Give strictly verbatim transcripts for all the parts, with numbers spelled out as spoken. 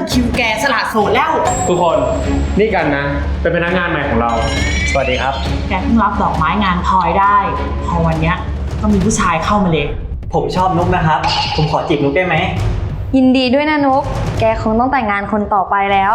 คิวแกสละโสดแล้วทุกคนนี่กันนะเป็นพนักงานใหม่ของเราสวัสดีครับแกเพิ่งรับดอกไม้งานพลอยได้พอวันเนี้ยก็มีผู้ชายเข้ามาเลยผมชอบนุ๊กนะครับผมขอจีบนุ๊กได้ไหมยินดีด้วยนะนุ๊กแกคงต้องแต่งงานคนต่อไปแล้ว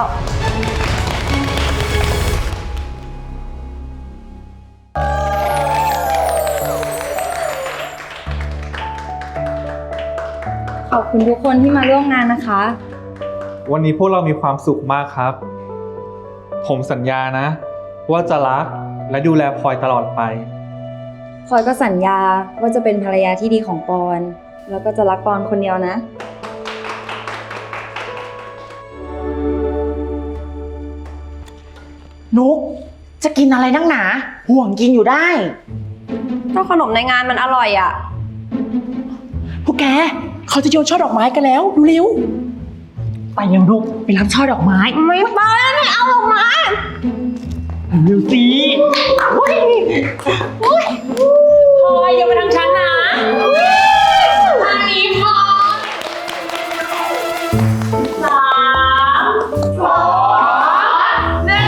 ขอบคุณทุกคนที่มาร่วมงานนะคะวันนี้พวกเรามีความสุขมากครับผมสัญญานะว่าจะรักและดูแลพลอยตลอดไปพลอยก็สัญญาว่าจะเป็นภรรยาที่ดีของปอนแล้วก็จะรักปอนคนเดียวนะนุกจะกินอะไรนักหนาห่วงกินอยู่ได้ก็ขนมในงานมันอร่อยอ่ะพวกแกเขาจะโยนช่อดอกไม้กันแล้วดูเร็วไปเร็วนุกไปรับช่อดอกไม้ไม่ไปไม่เอาดอกไม้เร็วสิพลอยอย่ามาทางฉันนะทางนี้พลอยสามสองหนึ่ง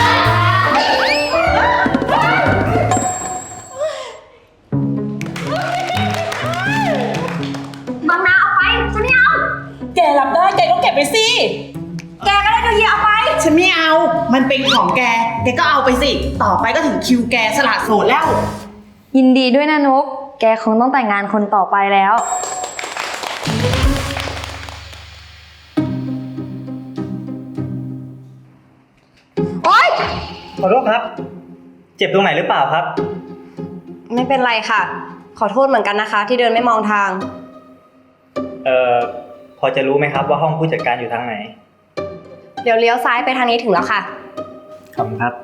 บางนาเอาไปฉันไม่เอาแกรับได้แกก็เก็บไปสิแกก็ได้ก็เยียเอาไปฉันไม่เอามันเป็นของแกแกก็เอาไปสิต่อไปก็ถึงคิวแกสละโสดแล้วยินดีด้วยนะนุ๊กแกคงต้องแต่งงานคนต่อไปแล้วโอ๊ยขอโทษครับเจ็บตรงไหนหรือเปล่าครับไม่เป็นไรค่ะขอโทษเหมือนกันนะคะที่เดินไม่มองทางเอ่อพอจะรู้ไหมครับว่าห้องผู้จัดการอยู่ทางไหนเดี๋ยวเลี้ยวซ้ายไปทางนี้ถึงแล้วค่ะขอบคุณครับ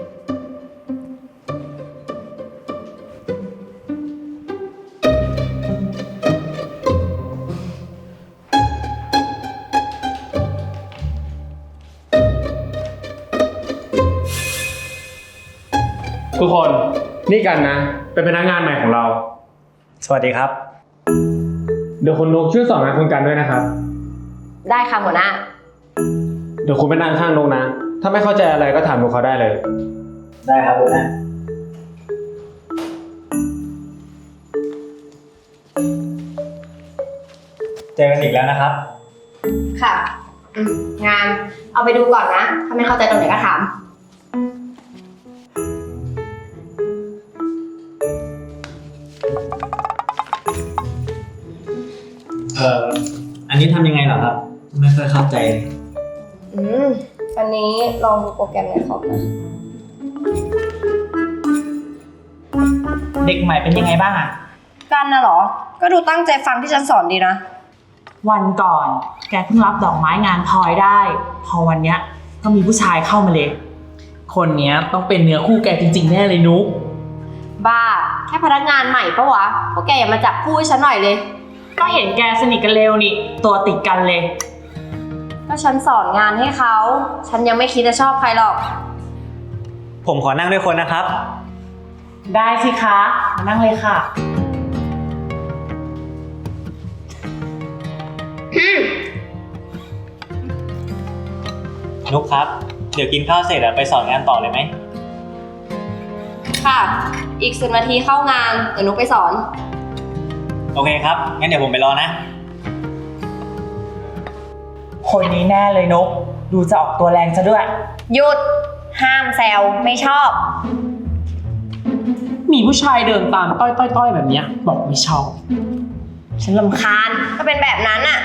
ทุกคนนี่กันนะเป็นพนักงานใหม่ของเราสวัสดีครับเดี๋ยวคุณนุกช่วยสอนงานคุณกันด้วยนะครับได้ค่ะหัวหน้าเดี๋ยวคุณไปนั่งข้างนุกนะถ้าไม่เข้าใจอะไรก็ถามนุกเขาได้เลยได้ครับหัวหน้าเจอกันอีกแล้วนะครับค่ะงานเอาไปดูก่อนนะถ้าไม่เข้าใจตรงไหนก็ถามเอ่ออันนี้ทำยังไงเหรอครับไม่ค่อยเข้าใจเลยอืมวันนี้ลองดูโปรแกรมในคอมนะเด็กใหม่เป็นยังไงบ้างอะกันน่ะเหรอก็ดูตั้งใจฟังที่ฉันสอนดีนะวันก่อนแกเพิ่งรับดอกไม้งานพลอยได้พอวันเนี้ยก็มีผู้ชายเข้ามาเลยคนเนี้ยต้องเป็นเนื้อคู่แกจริงๆแน่เลยนุ๊กบ้าแค่พนักงานใหม่ปะวะพวกแกอย่ามาจับคู่ให้ฉันหน่อยเลยก็เห็นแกสนิทกันเร็วนี่ตัวติดกันเลยก็ฉันสอนงานให้เขาฉันยังไม่คิดจะชอบใครหรอกผมขอนั่งด้วยคนนะครับได้สิคะมานั่งเลยค่ะนุ๊กครับเดี๋ยวกินข้าวเสร็จอะไปสอนงานต่อเลยไหมค่ะอีกสิบนาทีเข้างานเดี๋ยวนุ๊กไปสอนโอเคครับงั้นเดี๋ยวผมไปรอนะคนนี้แน่เลยนกดูจะออกตัวแรงซะด้วยหยุดห้ามแซวไม่ชอบมีผู้ชายเดินตามต้อยๆๆแบบนี้บอกไม่ชอบฉันรำคาญก็เป็นแบบนั้นอะ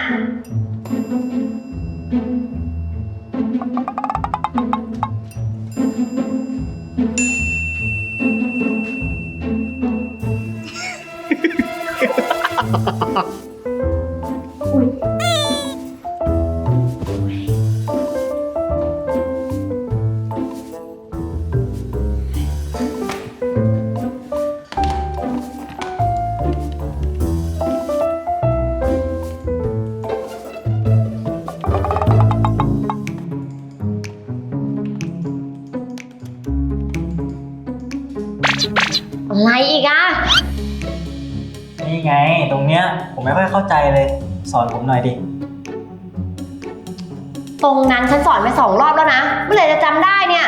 อะไรอีกอะนี่ไงตรงเนี้ยผมไม่ค่อยเข้าใจเลยสอนผมหน่อยดิตรงนั้นฉันสอนไปสองรอบแล้วนะเมื่อไหร่จะจำได้เนี่ย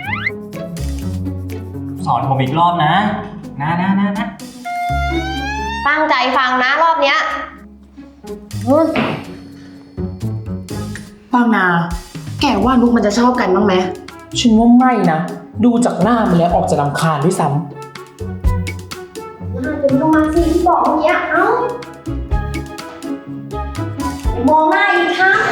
สอนผมอีกรอบนะนะนะนะนะตั้งใจฟังนะรอบเนี้ยอืมบางนา แกว่านุกมันจะชอบกันบ้างไหมฉันว่าไม่นะ ดูจากหน้ามันแล้วออกจะรำคาญด้วยซ้น่าจะลงมาสิที่บอกเมื่อกี้เอ้าอย่ามองหน้าอีกครั้ง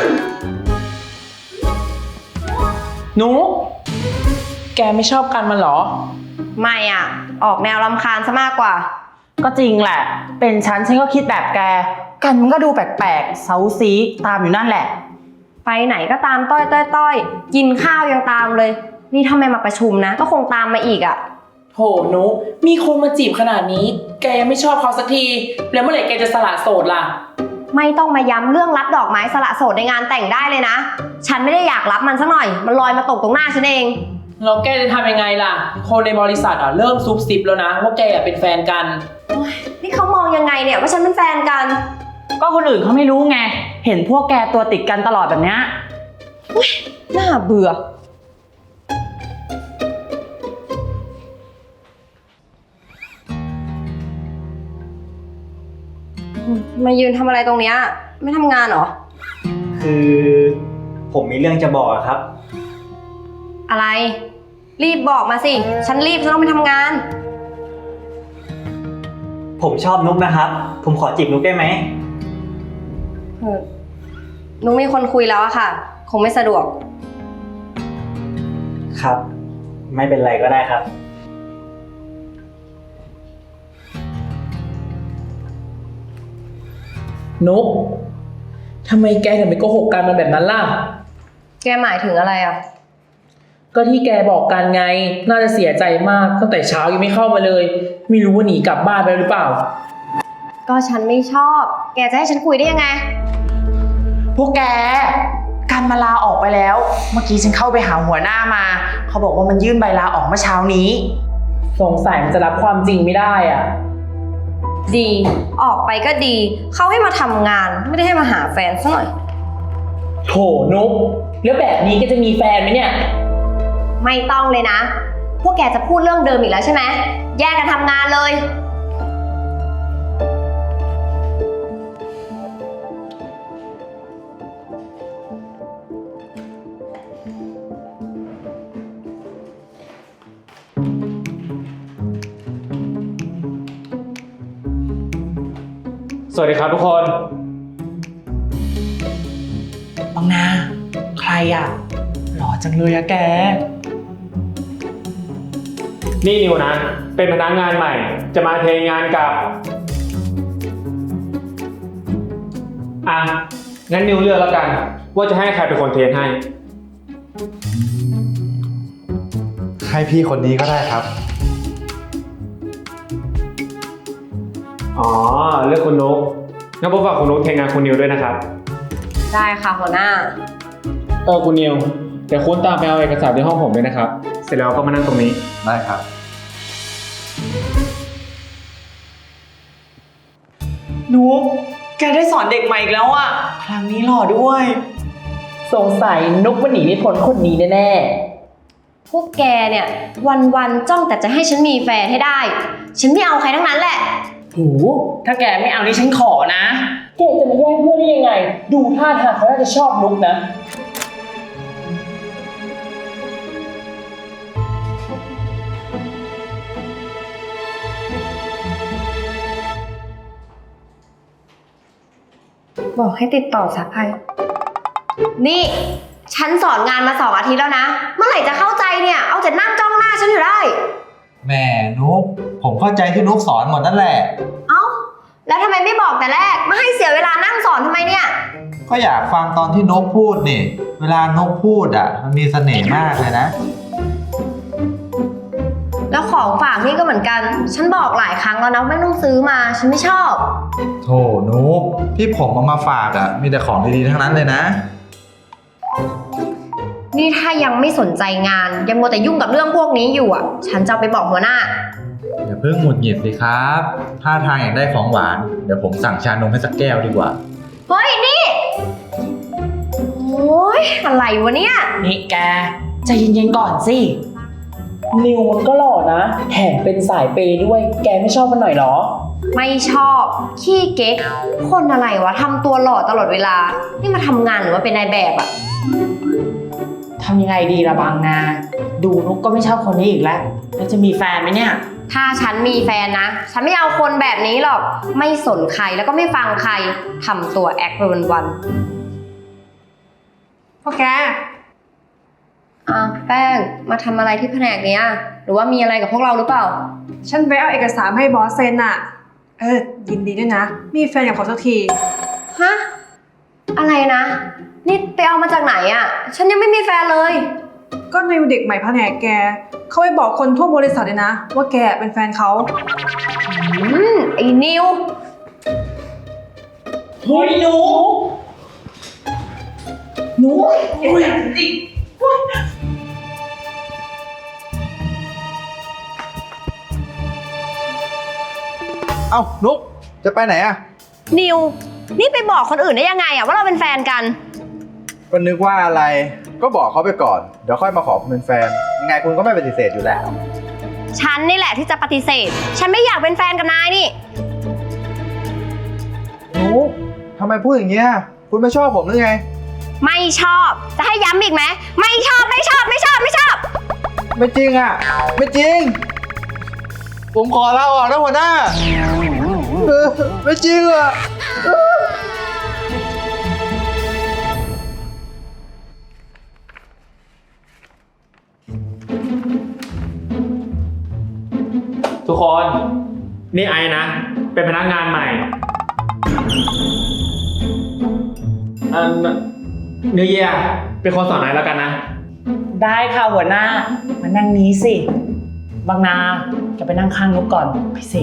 ำนุกแกไม่ชอบกันมันเหรอไม่อ่ะ ออกแนวรำคาญซะมากกว่าก็จริงแหละ เป็นฉันฉันก็คิดแบบแก กันมันก็ดูแปลกๆเซาซีตามอยู่นั่นแหละไปไหนก็ตามต้อยต้อยต้อยกินข้าวยังตามเลย นี่ถ้าไม่มาประชุมนะ ก็คงตามมาอีกอ่ะโหนุกมีคนมาจีบขนาดนี้ แกยังไม่ชอบเขาสักที แล้วเมื่อไหร่แกจะสละโสดล่ะไม่ต้องมาย้ำเรื่องรับดอกไม้สละโสดในงานแต่งได้เลยนะ ฉันไม่ได้อยากรับมันสักหน่อย มันลอยมาตกตรงหน้าฉันเองเราแกจะทำยังไงล่ะ คนในบริษัทอ่ะเริ่มซุบซิบแล้วนะว่าแกอ่ะเป็นแฟนกันนี่เขามองยังไงเนี่ยว่าฉันเป็นแฟนกันก็คนอื่นเขาไม่รู้ไง เห็นพวกแกตัวติดกันตลอดแบบเนี้ยน่าเบื่อ มายืนทำอะไรตรงเนี้ยไม่ทำงานเหรอคือผมมีเรื่องจะบอกอะครับอะไร รีบบอกมาสิ ฉันรีบฉันต้องไปทำงานผมชอบนุ๊กนะครับ ผมขอจีบนุ๊กได้ไหมเออหนูมีคนคุยแล้วอะค่ะ คงไม่สะดวกครับ ไม่เป็นไรก็ได้ครับนุกทำไมแกถึงไปโกหกกันมันแบบนั้นล่ะแกหมายถึงอะไรอะก็ที่แกบอกกันไง น่าจะเสียใจมากตั้งแต่เช้ายังไม่เข้ามาเลย ไม่รู้ว่าหนีกลับบ้านไปหรือเปล่าก็ฉันไม่ชอบ แกจะให้ฉันคุยได้ยังไงพวกแกการมาลาออกไปแล้ว เมื่อกี้ฉันเข้าไปหาหัวหน้ามา เขาบอกว่ามันยื่นใบลาออกเมื่อเช้านี้ สงสัยมันจะรับความจริงไม่ได้อ่ะดี ออกไปก็ดี เขาให้มาทำงาน ไม่ได้ให้มาหาแฟนซะหน่อยโถนุกแล้วแบบนี้แกจะมีแฟนไหมเนี่ยไม่ต้องเลยนะ พวกแกจะพูดเรื่องเดิมอีกแล้วใช่ไหม แยกกันทำงานเลยสวัสดีครับทุกคนบางนา ใครอ่ะ หล่อจังเลยอะแกนี่นิวนะ เป็นพนักงานใหม่ จะมาเทงานกับ อ่ะ งั้นนิวเลือกแล้วกัน ว่าจะให้ใครเป็นคนเทให้ให้พี่คนนี้ก็ได้ครับอ๋อ เลือกคุณนุ๊กงั้นผมฝากคุณนุ๊กเทงานคุณนิวด้วยนะครับได้ค่ะหัวหน้าเออคุณนิวเดี๋ยวคุณตามไปเอาเอกสารที่ห้องผมด้วยนะครับ เสร็จแล้วก็มานั่งตรงนี้ได้ครับนุกแกได้สอนเด็กใหม่อีกแล้วอ่ะ ครั้งนี้หล่อด้วย สงสัยนุกมันหนีไม่พ้นคนนี้แน่พวกแกเนี่ย วันๆจ้องแต่จะให้ฉันมีแฟนให้ได้ ฉันไม่เอาใครทั้งนั้นแหละๆโหถ้าแกไม่เอานี่ฉันขอนะ แกจะมาแย่งเพื่อนได้ยังไง ดูท่าทางเขาน่าจะชอบนุกนะบอกให้ติดต่อสักใครนี่ ฉันสอนงานมาสองอาทิตย์แล้วนะ เมื่อไหร่จะเข้าใจเนี่ย เอาแต่นั่งจ้องหน้าฉันอยู่ได้แม่นุ๊กผมเข้าใจที่นุ๊กสอนหมดนั่นแหละเอ้า แล้วทำไมไม่บอกแต่แรก มาให้เสียเวลานั่งสอนทำไมเนี่ยก็อยากฟังตอนที่นุ๊กพูดนี่ เวลานุ๊กพูดอ่ะ มันมีเสน่ห์มากเลยนะแล้วของฝากนี่ก็เหมือนกัน ฉันบอกหลายครั้งแล้วนะไม่ต้องซื้อมา ฉันไม่ชอบโถนุ๊กที่ผมเอามาฝากอ่ะ มีแต่ของดีๆทั้งนั้นเลยนะนี่ถ้ายังไม่สนใจงาน ยังมัวแต่ยุ่งกับเรื่องพวกนี้อยู่อ่ะ ฉันจะเอาไปบอกหัวหน้าอย่าเพิ่งหงุดหงิดสิครับถ้าทางอยากได้ของหวาน เดี๋ยวผมสั่งชานมให้สักแก้วดีกว่าเฮ้ย นี่ โอ้อ้ยอะไรวะเนี่ยนี่แกใจเย็นๆก่อนสิ นิวมันก็หล่อนะ แถมเป็นสายเปย์ด้วย แกไม่ชอบมันหน่อยเหรอไม่ชอบขี้เก๊กคนอะไรวะทำตัวหล่อตลอดเวลา นี่มาทำงานหรือว่าเป็นนายแบบอะทำยังไงดีละบางนา ดูนุกก็ไม่ชอบคนนี้อีกแล้ว แล้วจะมีแฟนไหมเนี่ยถ้าฉันมีแฟนนะ ฉันไม่เอาคนแบบนี้หรอก ไม่สนใครแล้วก็ไม่ฟังใครทำตัวแอคไปวันพวกแกๆอ้าวแป้งมาทำอะไรที่แผนกเนี้ยหรือว่ามีอะไรกับพวกเราหรือเปล่าฉันไปเอาเอกสารให้บอสเซ็นอะเออ ยินดีด้วยนะ มีแฟนกับเขาสักทีฮะ อะไรนะ นี่ไปเอามาจากไหนอะฉันยังไม่มีแฟนเลยก็ในเด็กใหม่แผนกแก เขาไปบอกคนทั่วบริษัทเลยนะ ว่าแกเป็นแฟนเขาอืมไอ้นิวเฮ้ยหนูหนูอุ้ยจริงเอ้านุกจะไปไหนอะนิว นี่ไปบอกคนอื่นได้ยังไงอะว่าเราเป็นแฟนกันก็นึกว่าอะไร ก็บอกเขาไปก่อน เดี๋ยวค่อยมาขอคุณเป็นแฟน ยังไงคุณก็ไม่ปฏิเสธอยู่แล้วฉันนี่แหละที่จะปฏิเสธ ฉันไม่อยากเป็นแฟนกับนายนี่นุกทำไมพูดอย่างเงี้ย คุณไม่ชอบผมหรือไงไม่ชอบ จะให้ย้ำอีกไหม ไม่ชอบ ไม่ชอบ ไม่ชอบ ไม่ชอบไม่จริงอะไม่จริง ผมขอลาออกนะหัวหน้าเออไม่จริงอะทุกคน นี่ไอ้นะ เป็นพนักงานใหม่อันเนื้อเยียเป็นคนสอนไอ้แล้วกันนะได้ค่ะหัวหน้า มานั่งนี้สิ บางนาจะไปนั่งข้างนุกก่อนไปสิ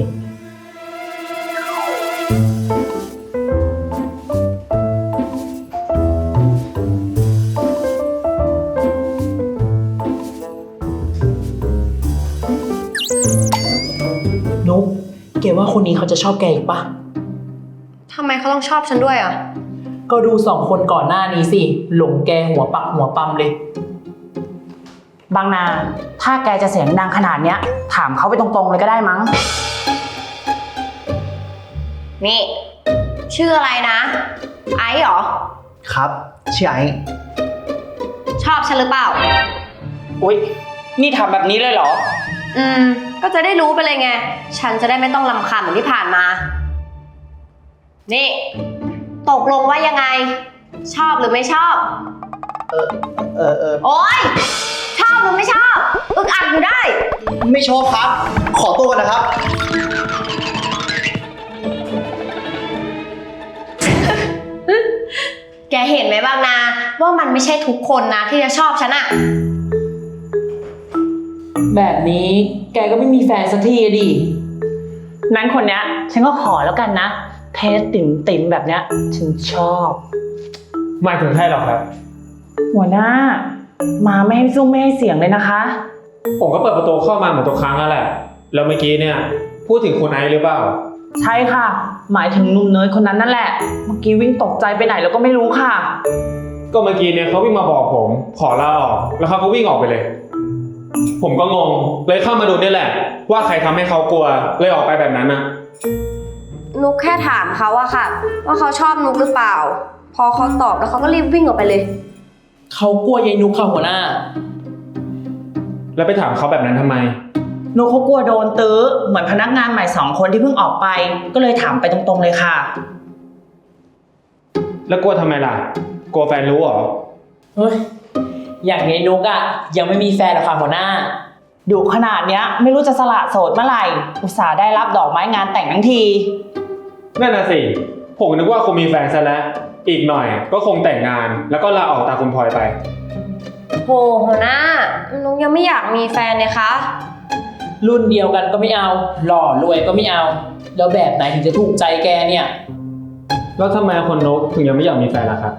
นุกเกว่าคนนี้เขาจะชอบแกอีกปะทำไมเขาต้องชอบฉันด้วยอ่ะก็ดูสองคนก่อนหน้านี้สิ หลงแกหัวปักหัวปั๊มเลย บางนา ถ้าแกจะเสียงดังขนาดเนี้ย ถามเขาไปตรงๆเลยก็ได้มั้งนี่ ชื่ออะไรนะ ไอซ์เหรอครับชื่อไอ้ชอบฉันหรือเปล่าอุ๊ย นี่ทำแบบนี้เลยเหรออืม ก็จะได้รู้ไปเลยไง ฉันจะได้ไม่ต้องรำคาญเหมือนที่ผ่านมา นี่ ตกลงว่ายังไง ชอบหรือไม่ชอบเออเออเออโอ๊ย ชอบหรือไม่ชอบ อึกอักอยู่ได้ไม่ชอบครับ ขอตัวกันนะครับแกเห็นไหมบ้างนะ ว่ามันไม่ใช่ทุกคนนะที่จะชอบฉันอะแบบนี้แกก็ไม่มีแฟนสักทีอะดิ นั้นคนเนี้ยฉันก็ขอแล้วกันนะ เทสติ่มติ่มๆแบบเนี้ย ฉันชอบไม่ถึงใช่หรอกครับหัวหน้า มาไม่ให้ซุ่มไม่ให้เสียงเลยนะคะผมก็เปิดประตูเข้ามาเหมือนทุกครั้งนั่นแหละ แล้วเมื่อกี้เนี่ยพูดถึงคุณไอซ์หรือเปล่าใช่ค่ะ หมายถึงหนุ่มเนยคนนั้นนั่นแหละ เมื่อกี้วิ่งตกใจไปไหนแล้วก็ไม่รู้ค่ะก็เมื่อกี้เนี่ยเขาวิ่งมาบอกผม ขอลาออก แล้วเขาก็วิ่งออกไปเลย ผมก็งง เลยเข้ามาดูนี่แหละ ว่าใครทำให้เขากลัว เลยออกไปแบบนั้นนะนุกแค่ถามเขาอะค่ะ ว่าเขาชอบนุกหรือเปล่า พอเขาตอบแล้วเขาก็รีบวิ่งออกไปเลยเขากลัวยายนุกค่ะหัวหน้าแล้วไปถามเขาแบบนั้นทำไมนุกเขากลัวโดนตื้อเหมือนพนักงานใหม่สองคนที่เพิ่งออกไป ก็เลยถามไปตรงๆเลยค่ะแล้วกลัวทำไมล่ะ กลัวแฟนรู้เหรอเฮ้ย อย่างยายนุกอะยังไม่มีแฟนหรอกค่ะหัวหน้า ดูขนาดเนี้ย ไม่รู้จะสละโสดเมื่อไหร่ อุตส่าห์ได้รับดอกไม้งานแต่งทั้งทีนั่นน่ะสิ ผมนึกว่าคงมีแฟนซะแล้ว อีกหน่อยก็คงแต่งงาน แล้วก็ลาออกตามคุณพลอยไปโหหัวหน้า นุกยังไม่อยากมีแฟนเลยคะรุ่นเดียวกันก็ไม่เอา หล่อรวยก็ไม่เอา แล้วแบบไหนถึงจะถูกใจแกเนี่ยแล้วทำไมคนนกถึงยังไม่อยากมีแฟนล่ะครับ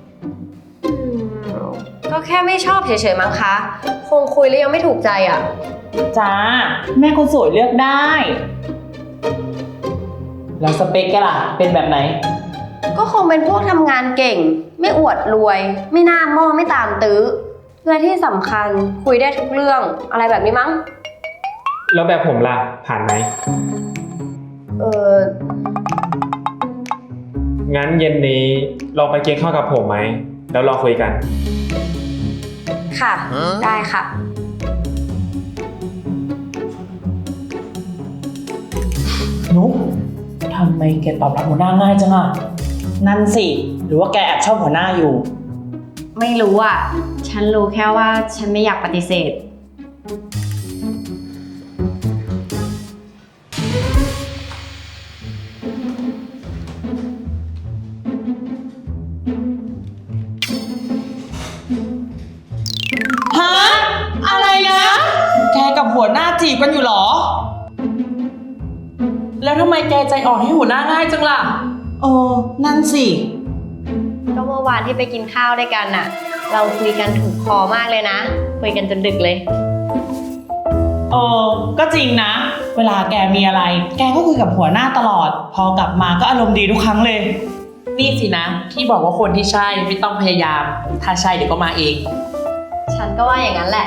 ก็แค่ไม่ชอบเฉยๆมั้งคะ คงคุยแล้วยังไม่ถูกใจอะจ้า แม่คนสวยเลือกได้ แล้วสเปคแกล่ะ เป็นแบบไหนก็คงเป็นพวกทำงานเก่ง ไม่อวดรวย ไม่หน้าหม้อไม่ตามตื้อและที่สำคัญคุยได้ทุกเรื่องอะไรแบบนี้มั้งแล้วแบบผมล่ะ ผ่านไหมเอองั้นเย็นนี้ลองไปกินข้าวกับผมไหม แล้วลองคุยกันค่ะ ได้ค่ะนุ๊กทำไมแกตอบรับหัวหน้าง่ายจังอ่ะ นั่นสิ หรือว่าแกแอบชอบหัวหน้าอยู่ไม่รู้อ่ะ ฉันรู้แค่ว่าฉันไม่อยากปฏิเสธฮะ อะไรนะ แกกับหัวหน้าจีบกันอยู่เหรอ แล้วทำไมแกใจอ่อนให้หัวหน้าง่ายจังล่ะ เออ นั่นสิก็เมื่อวานที่ไปกินข้าวด้วยกันน่ะ เราคุยกันถูกคอมากเลยนะ คุยกันจนดึกเลยเออ ก็จริงนะ เวลาแกมีอะไร แกก็คุยกับหัวหน้าตลอด พอกลับมาก็อารมณ์ดีทุกครั้งเลย นี่สินะ ที่บอกว่าคนที่ใช่ไม่ต้องพยายาม ถ้าใช่เดี๋ยวก็มาเองฉันก็ว่าอย่างนั้นแหละ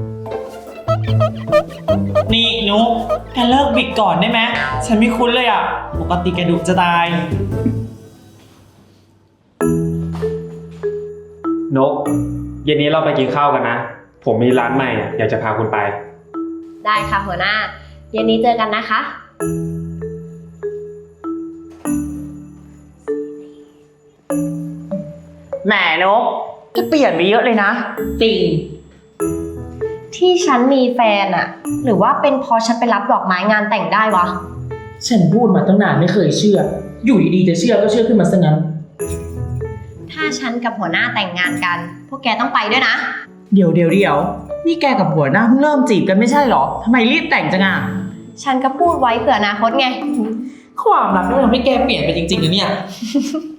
นี่นุ๊กแกเลิกบิดก่อนได้ไหม ฉันไม่คุ้นเลยอ่ะ ปกติแกดุจะตายนก เย็นนี้เราไปกินข้าวกันนะ ผมมีร้านใหม่อะอยากจะพาคุณไปได้ค่ะหัวหน้า เย็นนี้เจอกันนะคะแหมนกแกเปลี่ยนไปเยอะเลยนะ จริงที่ฉันมีแฟนอะหรือว่าเป็นเพราะฉันไปรับดอกไม้งานแต่งได้วะฉันพูดมาตั้งนานไม่เคยเชื่อ อยู่ดีๆจะเชื่อก็เชื่อขึ้นมาซะงั้นถ้าฉันกับหัวหน้าแต่งงานกัน พวกแกต้องไปด้วยนะเดี๋ยวเดี๋ยวเดี๋ยวนี่แกกับหัวหน้าเพิ่งเริ่มจีบกันไม่ใช่เหรอทำไมรีบแต่งจังอ่ะฉันก็พูดไว้เผื่ออนาคตไงความรักนี่มันทำให้แกเปลี่ยนไปจริงๆนะเนี่ย